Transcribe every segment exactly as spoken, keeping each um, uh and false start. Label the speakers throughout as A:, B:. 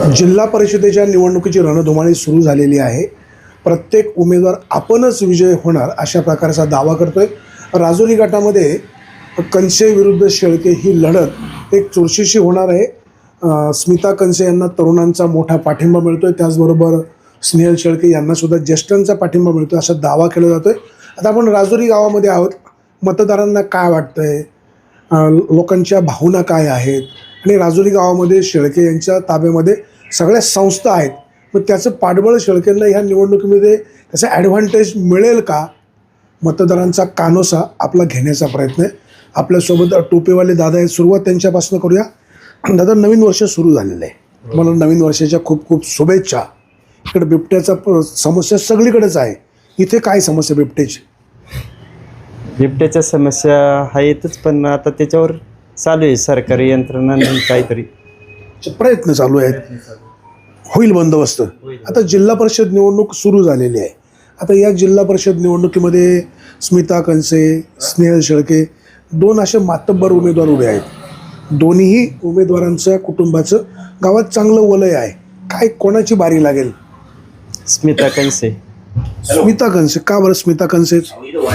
A: जिल्हा परिषदेच्या निवडणुकीची रणधुमाळी सुरू झालेली आहे. प्रत्येक उमेदवार आपणच विजय होणार अशा प्रकारचा दावा करतोय. राजुरी गटामध्ये कनसे विरुद्ध शेळके ही लढत एक चुरशीची होणार आहे. स्मिता कनसे यांना तरुणांचा मोठा पाठिंबा मिळतोय, त्याचबरोबर स्नेहल शेळके यांना सुद्धा ज्येष्ठांचा पाठिंबा मिळतोय असा दावा केला जातोय. आता आपण राजुरी गावामध्ये आहोत. मतदारांना काय वाटतंय, लोकांच्या भावना काय आहेत आणि राजुरी गावामध्ये शेळके यांच्या ताब्यामध्ये सगळ्या संस्था आहेत, मग त्याचं पाठबळ शेळकेंना ह्या निवडणुकीमध्ये त्याचा ॲडव्हान्टेज मिळेल का, मतदारांचा कानोसा आपला घेण्याचा प्रयत्न आहे. आपल्यासोबत टोपेवाले दादा आहेत. सुरुवात त्यांच्यापासून करूया. दादा, नवीन वर्ष सुरू झालेलं आहे, मला नवीन वर्षाच्या खूप खूप शुभेच्छा. इकडे बिबट्याचा समस्या सगळीकडेच आहे, इथे काय समस्या बिबट्याची?
B: बिबट्याच्या समस्या आहेतच, पण आता त्याच्यावर चालू आहे सरकारी यंत्रणांनी काहीतरी
A: प्रयत्न चालू आहेत, होईल बंदोबस्त. आता जिल्हा परिषद निवडणूक सुरू झालेली आहे. आता या जिल्हा परिषद निवडणुकीमध्ये स्मिता कनसे, स्नेहल शेळके दोन असे मातब्बर उमेदवार उभे आहेत. दोन्हीही उमेदवारांच्या कुटुंबाचं गावात चांगलं वलय आहे. काय कोणाची बारी लागेल?
B: स्मिता कनसे.
A: स्मिता कनसे का बरं? स्मिता कनसेच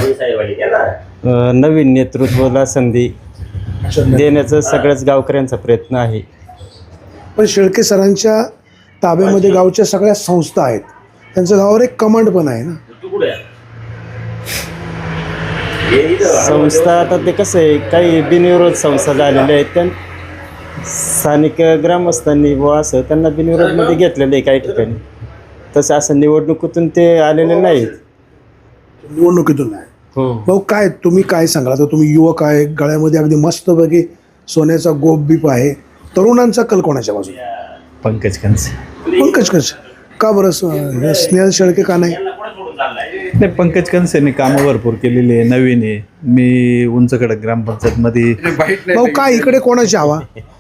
B: नवीन नेतृत्वाला संधी देण्याचा सगळ्याच गावकऱ्यांचा प्रयत्न आहे.
A: पण शेळके सरांच्या ताब्यामध्ये गावच्या सगळ्या संस्था आहेत, त्यांचं गावावर एक कमांड पण आहे ना.
B: संस्था आता ते कसं आहे, काही बिनविरोध संस्था झालेल्या आहेत, त्या स्थानिक ग्रामस्थांनी व असं त्यांना बिनविरोधमध्ये घेतलेलं आहे काही ठिकाणी. तसं असं निवडणुकीतून ते आलेले नाहीत.
A: निवडणुकीतून नाही.
B: हो.
A: भाऊ, काय तुम्ही काय सांगाल? आता तुम्ही युवक आहे, गळ्यामध्ये अगदी मस्तपैकी सोन्याचा गोप बीप आहे. तरुणांचा कल कोणाच्या बाजूला?
B: पंकज कनसे.
A: पंकज कनसे का बरं? स्नेहल शेळके का नाही?
C: नाही, पंकज कनसेने कामं भरपूर केलेली आहे, नवीन आहे. मी उंचकडे ग्रामपंचायतमध्ये.
A: भाऊ, काय इकडे कोणाची हवा?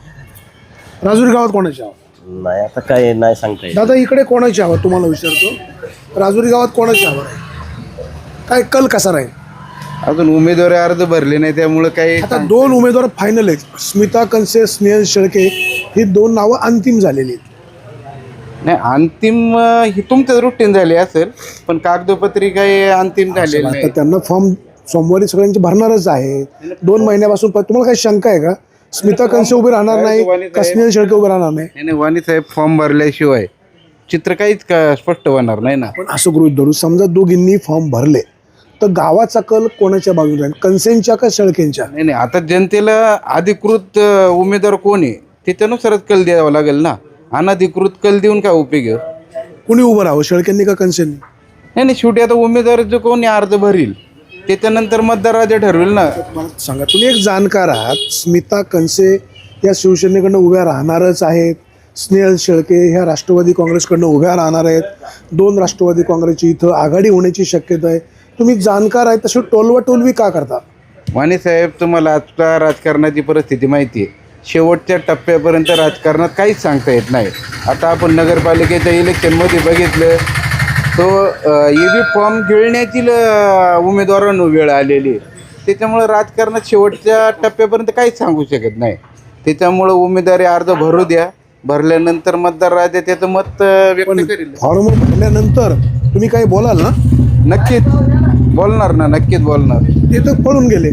A: राजुरी गावात कोणाची हवा?
D: नाही, आता काय नाही सांगता येत.
A: दादा, इकडे कोणाची हवा तुम्हाला विचारतो. राजुरी गावात कोणाची हवा आहे? काय कल कसा राहील?
E: अजून उमेदवारी अर्ज भरले नाही, त्यामुळे काही
A: आता दोन उमेदवार फायनल आहेत. स्मिता कनसे, स्नेहल शेळके ही दोन नावं अंतिम झालेली आहेत.
E: नाही, अंतिम ही तुमचं रुटीन झाली असेल, पण कागदोपत्री काही अंतिम झालेली
A: आता
E: नाही.
A: त्यांना फॉर्म सोमवारी सगळ्यांचे भरणारच आहे. दोन महिन्यापासून प- तुम्हाला काही शंका आहे का? स्मिता कनसे उभे राहणार नाही का स्नेहल शेळके उभे राहणार नाही?
E: नाही, वाणी साहेब फॉर्म भरल्याशिवाय चित्र काहीच का स्पष्ट होणार नाही ना.
A: पण असं गृहीत धरू, समजा दोघींनी फॉर्म भरले तर गावाचा कल कोणाच्या बाजूला राहील? कनसेंच्या का शेळकेंच्या?
E: नाही नाही, आता जनतेला अधिकृत अ, उमेदवार कोण आहे ते त्यानुसारच कल द्यावा लागेल ना. अनधिकृत कल देऊन काय उपयोग आहे?
A: कुणी उभं राहावं, शेळकेंनी का कनसेंनी?
E: नाही नाही, शेवटी आता उमेदवार जो कोणी अर्ज भरील त्याच्यानंतर मतदार राजा ठरवेल ना.
A: मला सांगा, तुम्ही एक जाणकार आहात. स्मिता कनसे या शिवसेनेकडनं उभ्या राहणारच आहेत, स्नेहल शेळके ह्या राष्ट्रवादी काँग्रेसकडनं उभ्या राहणार आहेत. दोन राष्ट्रवादी काँग्रेसची इथं आघाडी होण्याची शक्यता आहे. तुम्ही जाणकार आहे, तशी टोलवाटोलवी का करता?
E: वाणी साहेब, तुम्हाला आजच्या राजकारणाची परिस्थिती माहिती आहे. शेवटच्या टप्प्यापर्यंत राजकारणात काहीच सांगता येत नाही. आता आपण नगरपालिकेच्या इलेक्शनमध्ये बघितलं तो ई व्ही फॉर्म गिळण्याची ल- उमेदवारांना वेळ आलेली आहे. त्याच्यामुळं राजकारणात शेवटच्या टप्प्यापर्यंत काहीच सांगू शकत नाही. त्याच्यामुळं उमेदवारी अर्ज भरू द्या, भरल्यानंतर मतदार राजा त्याचं मत अ, व्यक्त करेल.
A: फॉर्म भरल्यानंतर तुम्ही काही बोलाल ना?
E: नक्कीच बोलणार ना, नक्कीच बोलणार.
A: ते तर पळून गेले.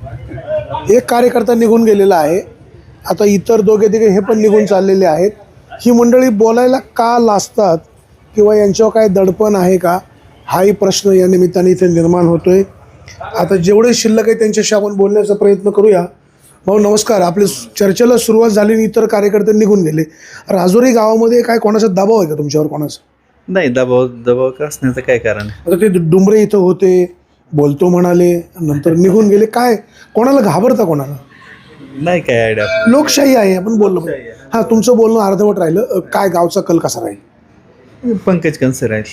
A: एक कार्यकर्ता निघून गेलेला आहे, आता इतर दोघे तिघे हे पण निघून चाललेले आहेत. ही मंडळी बोलायला का लाजतात किंवा यांच्यावर काय दडपण आहे का, हाही प्रश्न या निमित्ताने इथे निर्माण होतोय. आता जेवढे शिल्लक आहे त्यांच्याशी आपण बोलण्याचा प्रयत्न करूया. भाऊ नमस्कार. आपल्या चर्चेला सुरुवात झाली आणि इतर कार्यकर्ते निघून गेले. राजुरी गावामध्ये काय कोणाचा दबाव आहे का तुमच्यावर? कोणाचा
C: नाही, दबाव दबाव का असण्याचं काय कारण?
A: आता ते डुंबरे इथं होते, बोलतो म्हणाले, नंतर निघून गेले. काय कोणाला घाबरता? कोणाला?
C: नाही काय आयडिया.
A: लोकशाही आहे, आपण बोललो. हां, तुमचं बोलणं अर्धवट राहिलं. अ, काय गावचा कल कसा राहील?
C: पंकज कनसे राहील.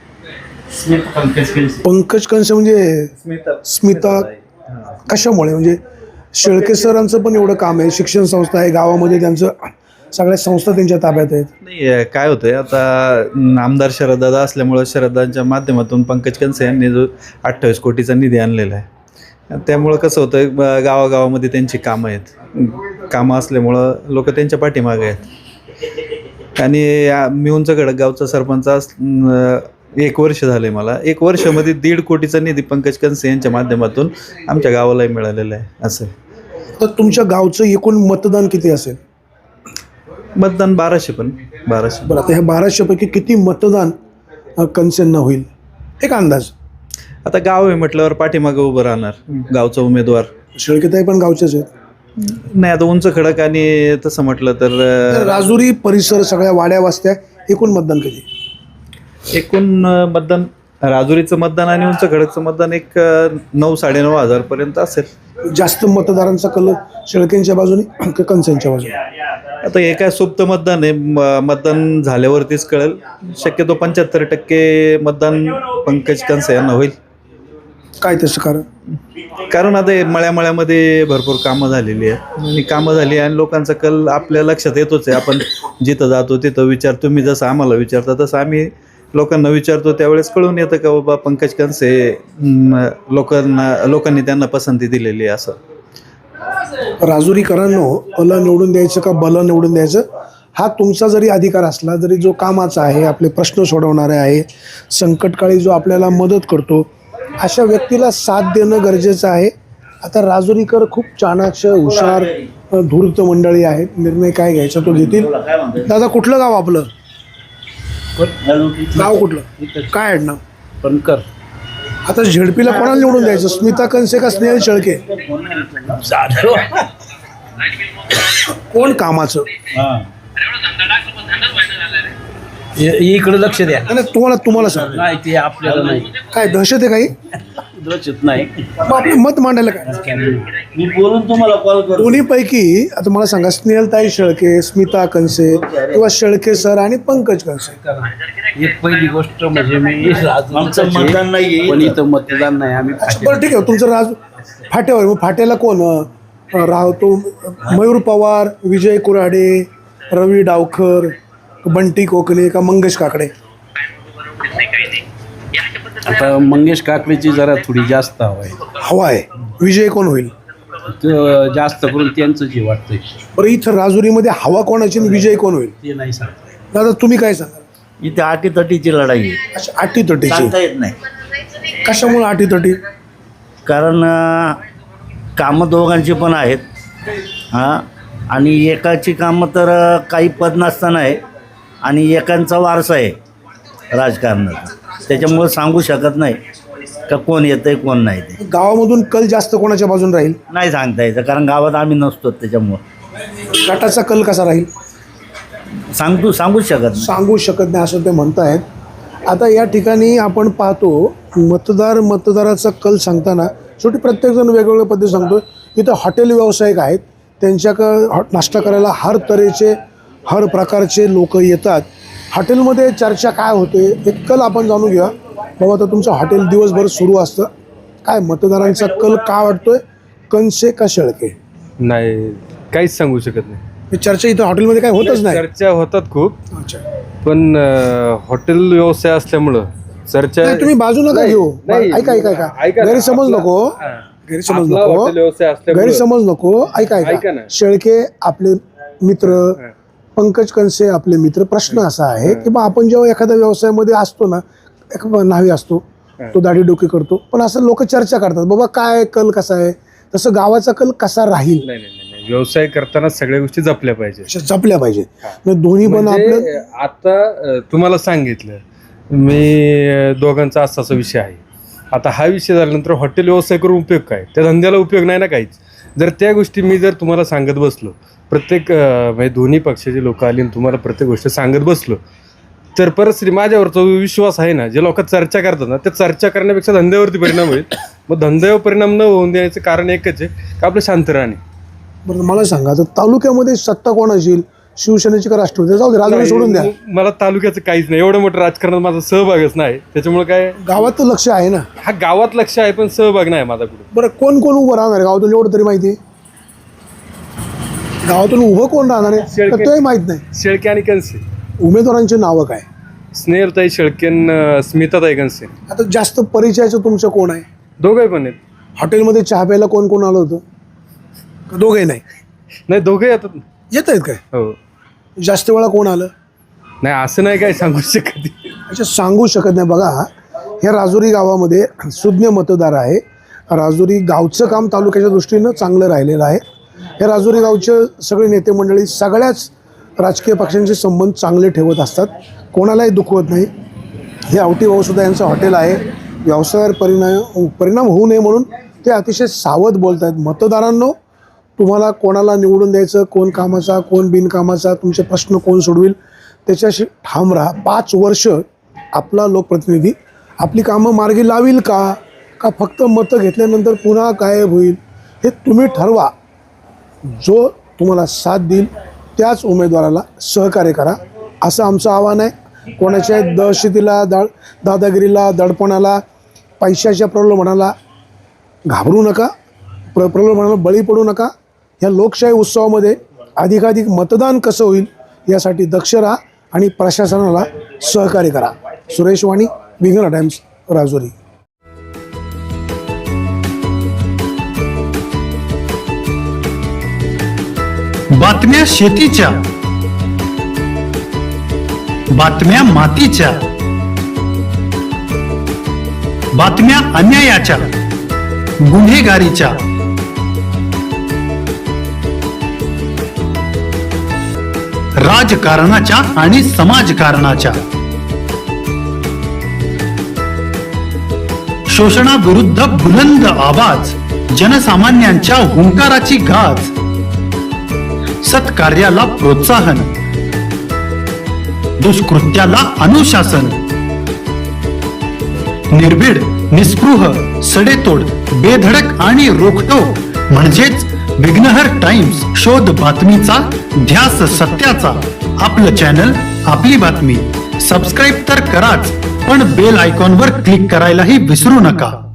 A: पंकज कनसे म्हणजे स्मिता कशामुळे? म्हणजे शेळके सरांचं पण एवढं काम आहे, शिक्षण संस्था आहे गावामध्ये, त्यांचं सगळ्या संस्था त्यांच्या ताब्यात आहेत.
C: नाही, काय होतंय आता, आमदार शरददादा असल्यामुळं शरददादांच्या माध्यमातून पंकज कनसे यांनी जो अठ्ठावीस कोटीचा निधी आणलेला आहे, त्यामुळं कसं होतं, गावागावामध्ये त्यांची कामं आहेत. कामं असल्यामुळं लोक त्यांच्या पाठीमागे आहेत. आणि आ- मी उंच खडक गावचा सरपंच अस- अं, एक वर्ष झाले मला. एक वर्षामध्ये दीड कोटीचा निधी पंकज कंसे यांच्या माध्यमातून आमच्या गावालाही मिळालेला आहे. असं
A: तर तुमच्या गावचं एकूण मतदान किती असेल?
C: मतदान बाराशे पण बाराशे
A: बरं, आता ह्या बाराशेपैकी किती मतदान अ, कणसेंना होईल, एक अंदाज?
C: आता गाव आहे म्हटल्यावर पाठीमागं उभं राहणार गावचा उमेदवार.
A: शेळकेताई पण गावचेच आहेत.
C: नाही आता उंच खडक आणि तसं म्हटलं तर
A: तर
C: अं,
A: राजुरी परिसर सगळ्या वाड्या वस्त्या एकूण मतदान किती?
C: एकूण अं, मतदान राजुरीचं मतदान आणि उंच खडकचं मतदान एक अं, नऊ साडेनऊ हजार पर्यंत असेल.
A: जास्त मतदारांचा कल शेळकेंच्या बाजूने का कणसेंच्या बाजूने?
C: आता हे काय सुप्त मतदान आहे, म- मतदान झाल्यावरतीच कळेल. शक्यतो पंच्याहत्तर टक्के मतदान पंकज कंसे यांना होईल.
A: काय तसं कारण?
C: कारण आता हे मळ्यामळ्यामध्ये भरपूर कामं झालेली आहेत आणि कामं झाली आणि लोकांचा कल आपल्या लक्षात येतोच आहे. आपण जिथं जातो तिथं विचार, तुम्ही जसं आम्हाला विचारता तसं आम्ही लोकांना विचारतो, त्यावेळेस कळून येतं का बाबा पंकज कंसे म, लोकांना लोकांनी त्यांना पसंती दिलेली आहे. असं
A: राजुरीकरांनो, अल निवडून द्यायचं का बल निवडून द्यायचं हा तुमचा जरी अधिकार असला, जरी जो कामाचा आहे, आपले प्रश्न सोडवणारे आहे, संकटकाळी जो आपल्याला मदत करतो, अशा व्यक्तीला साथ देणं गरजेचं आहे. आता राजुरीकर खूप चाणाक्ष, हुशार, धूर्त मंडळी आहेत. निर्णय काय घ्यायचा तो घेतील. दादा, कुठलं गाव आपलं? गाव कुठलं? काय आडनाव?
D: पणकर.
A: आता झेडपीला कोणाला निवडून द्यायचं, स्मिता कंसे का स्नेहल शेळके? कोण कामाचं?
D: इकडे लक्ष द्या.
A: नाही, तुम्हाला तुम्हाला सांग,
D: नाही ते आपल्याला नाही
A: काय दहशत आहे काही?
D: लक्षात नाही.
A: मग आपलं मत मांडायला काय?
D: मी बोलून तुम्हाला कॉल करतो.
A: दोन्हीपैकी आता मला सांगा, स्नेहलताई शेळके, स्मिता कंसे किंवा शेळके सर आणि पंकज कंसे?
D: एक पहिली गोष्ट म्हणजे मी आमचं मतदान नाही, पण इथं मतदान नाही. आम्ही
A: बरं, ठीक आहे. तुमचं राज फाट्यावर, मग फाट्याला कोण अं, राहतो? मयूर पवार, विजय कुऱ्हाडे, रवी डावखर, बंटी कोकणे का मंगेश काकडे?
D: आता मंगेश काकडेची जरा थोडी जास्त हवा आहे.
A: हवा आहे. विजय कोण होईल?
D: तर जास्त करून त्यांचं जे वाटतंय
A: बरं, इथं राजुरीमध्ये हवा कोणाची आणि विजय कोण होईल?
D: ते नाही सांगता.
A: दादा, तुम्ही काय सांगाल?
F: इथे आटीतटीची लढाई आहे,
A: अच्छा, आटीतटीची.
F: सांगता येत नाही.
A: कशामुळे आटीतटी?
F: कारण अं, कामं दोघांची पण आहेत. हां, आणि एकाची कामं तर अं, काही पद नसताना आहे आणि एकांचा वारसा आहे राजकारणाचा. त्याच्यामुळे सांगू शकत नाही का कोण येतं आहे कोण नाही. ते
A: गावामधून कल जास्त कोणाच्या बाजून राहील?
F: नाही सांगता येतं, कारण गावात आम्ही नसतो. त्याच्यामुळं
A: गटाचा कल कसा राहील?
F: सांगतो सांगूच शकत नाही.
A: सांगू शकत नाही असं ते म्हणतायत. आता या ठिकाणी आपण पाहतो, मतदार मतदाराचा कल सांगताना शेवटी प्रत्येकजण वेगवेगळ्या पद्धती सांगतो. इथं हॉटेल व्यावसायिक आहेत, त्यांच्याकडं हॉ नाश्ता करायला हर तऱ्हेचे, हर प्रकारचे लोक येतात. हॉटेलमध्ये चर्चा काय होते, एक कल आपण जाणून घेऊया. बाबा, तर तुमचं हॉटेल दिवसभर सुरू असतं, काय मतदारांचा कल का वाटतोय, कंसे का शेळके?
G: नाही, काहीच सांगू शकत नाही.
A: ही चर्चा इथं हॉटेलमध्ये काय होतच नाही.
G: चर्चा होतात खूप,
A: अच्छा,
G: पण अं, हॉटेल व्यवसाय असल्यामुळं चर्चा.
A: नाही, तुम्ही बाजू नका
G: नाही,
A: घेऊ.
G: नाही.
A: ऐका ऐका ऐका
G: ऐका ना,
A: गैरसमज
G: आपला-
A: नको,
G: हा.
A: गैरसमज
G: आपला
A: नको,
G: हॉटेल व्यवसाय असल्यामुळं-
A: गैरसमज नको. ऐका
G: ऐका
A: ऐका
G: ना.
A: शेळके आपले मित्र, पंकज कंसे आपले मित्र. प्रश्न असा आहे की बा, आपण जेव्हा एखाद्या व्यवसायामध्ये असतो ना, एक न्हावी असतो, तो दाढी डोकी करतो, पण असं लोक चर्चा करतात, बाबा काय कल कसा आहे, तसं गावाचा कल कसा राहील,
G: नाही नाही नाही, व्यवसाय करताना सगळ्या गोष्टी जपल्या पाहिजे.
A: अशा जपल्या पाहिजे. म्हणजे दोन्ही पण आपलं.
G: म्हणजे आता अं, तुम्हाला सांगितलं मी, अं, दोघांचा असा असा विषय आहे. आता हा विषय झाल्यानंतर हॉटेल व्यवसाय करून उपयोग काय? त्या धंद्याला उपयोग नाही ना काहीच. जर त्या गोष्टी मी जर तुम्हाला सांगत बसलो, प्रत्येक अं, म्हणजे दोन्ही पक्षाचे लोक आली आणि तुम्हाला प्रत्येक गोष्ट सांगत बसलो, तर परिस्थिती माझ्यावरचा जो विश्वास आहे ना, जे लोक चर्चा करतात ना, त्या चर्चा करण्यापेक्षा धंद्यावरती परिणाम होईल. मग धंद्यावर परिणाम न होऊन द्यायचं कारण एकच आहे का आपलं शांत राहणे.
A: बरं, मला सांगा, तर तालुक्यामध्ये सत्ता कोणाची येईल, शिवसेनेची का राष्ट्रवादी? जाऊ दे, राजूने सोडून द्या.
G: नाही, मला तालुक्याचं काहीच नाही, एवढं मोठं राजकारणात माझा सहभागच नाही. त्याच्यामुळे काय,
A: गावात तर लक्ष आहे ना.
G: हा गावात लक्ष आहे पण सहभाग नाही माझा कुठे.
A: बरं, कोण कोण उभं राहणार आहे गावातून, एवढं तरी माहिती आहे? गावातून उभं कोण राहणार आहे
G: शेळके.
A: तोही माहित नाही.
G: शेळके आणि कंसे.
A: उमेदवारांची नावं काय?
G: स्नेहलताई शेळकेन, स्मिताताई कंसे.
A: आता जास्त परिचयाचं तुमचं कोण आहे?
G: दोघंही पण आहेत.
A: हॉटेलमध्ये चहा प्यायला कोण कोण आलं होतं? का दोघंही नाही?
G: नाही, दोघंही येतात.
A: येत आहेत काय?
G: हो,
A: जास्त वेळा कोण आलं?
G: नाही असं नाही काय सांगू शकत.
A: अच्छा, सांगू शकत नाही. बघा, ह्या राजुरी गावामध्ये सुज्ञ मतदार आहे. राजुरी गावचं काम तालुक्याच्या दृष्टीनं चांगलं राहिलेलं आहे. हे राजुरी गावचे सगळे नेते मंडळी सगळ्याच राजकीय पक्षांचे संबंध चांगले ठेवत असतात, कोणालाही दुखवत नाही. हे आवटी भाऊसुद्धा यांचं हॉटेल आहे. व्यवसायावर परिणाम परिणाम होऊ नये म्हणून ते अतिशय सावध बोलत आहेत. मतदारांनो, तुम्हाला कोणाला निवडून द्यायचं, कोण कामाचा कोण बिनकामाचा, तुमचे प्रश्न कोण सोडविल त्याच्याशी ठाम राहा. पाच वर्ष आपला लोकप्रतिनिधी आपली कामं मार्गी लावील का का फक्त मतं घेतल्यानंतर पुन्हा गायब होईल, हे तुम्ही ठरवा. जो तुम्हाला साथ देईल त्याच उमेदवाराला सहकार्य करा, असं आमचं आव्हान आहे. कोणाच्या दहशतीला, दा दादागिरीला, दडपणाला, पैशाच्या प्रलोभनाला घाबरू नका, प्र प्रलोभनाला बळी पडू नका. ह्या लोकशाही उत्सवामध्ये अधिकाधिक मतदान कसं होईल यासाठी दक्ष राहा आणि प्रशासनाला सहकार्य करा. सुरेश वाणी, विघ्न टाइम्स, राजुरी.
H: बातम्या शेतीच्या, बातम्या मातीच्या, बातम्या अन्यायाच्या, गुन्हेगारीच्या, राजकारणाच्या आणि समाजकारणाच्या, शोषणाविरुद्ध बुलंद आवाज, जनसामान्यांच्या हुंकाराची गाज, सत्कार्याला प्रोत्साहन, दुष्कृत्याला अनुशासन, निर्भीड, निस्पृह, सडेतोड, बेधडक आणि रोखटोक म्हणजेच विघ्नहर टाइम्स. शोध बातमीचा, ध्यास सत्याचा. आपलं चॅनल, आपली बातमी. सबस्क्राईब तर कराच, पण बेल आयकॉनवर क्लिक करायलाही विसरू नका.